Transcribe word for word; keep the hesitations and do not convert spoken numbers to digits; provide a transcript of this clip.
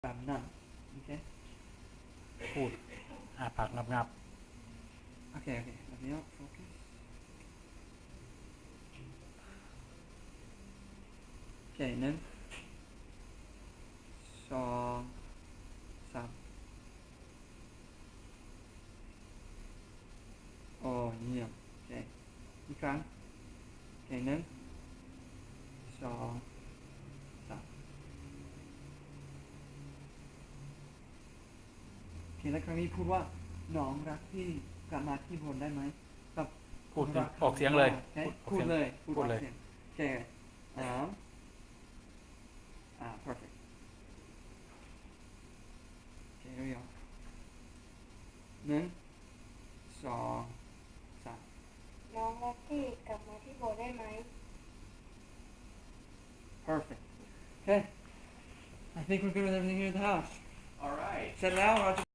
แบบนั้นโอเคพูดอาปากงับงับโอเคโอเคแบบนี้โฟกัสโอเคหนึ่งสองสามโอ้เยี่ยมโอเคอีกครั้งโอเคหนึ่งสองสามโอเคแล้วครั้งนี้พูดว่าน้องรักพี่กลับมาที่บนได้ไหมกับพูดรักออกเสียงเลยโอเคพูดออกเสียงพูดเลยพูดออกเลยสีงโอเคอ่าอ่า perfect โอเค here we go หนึ่งสองสามน้องรักพี่กลับมาที่โบสถ์ได้ไหม perfect okay I think we're good with everything here at the house All right. เสร็จแล้วเราจะ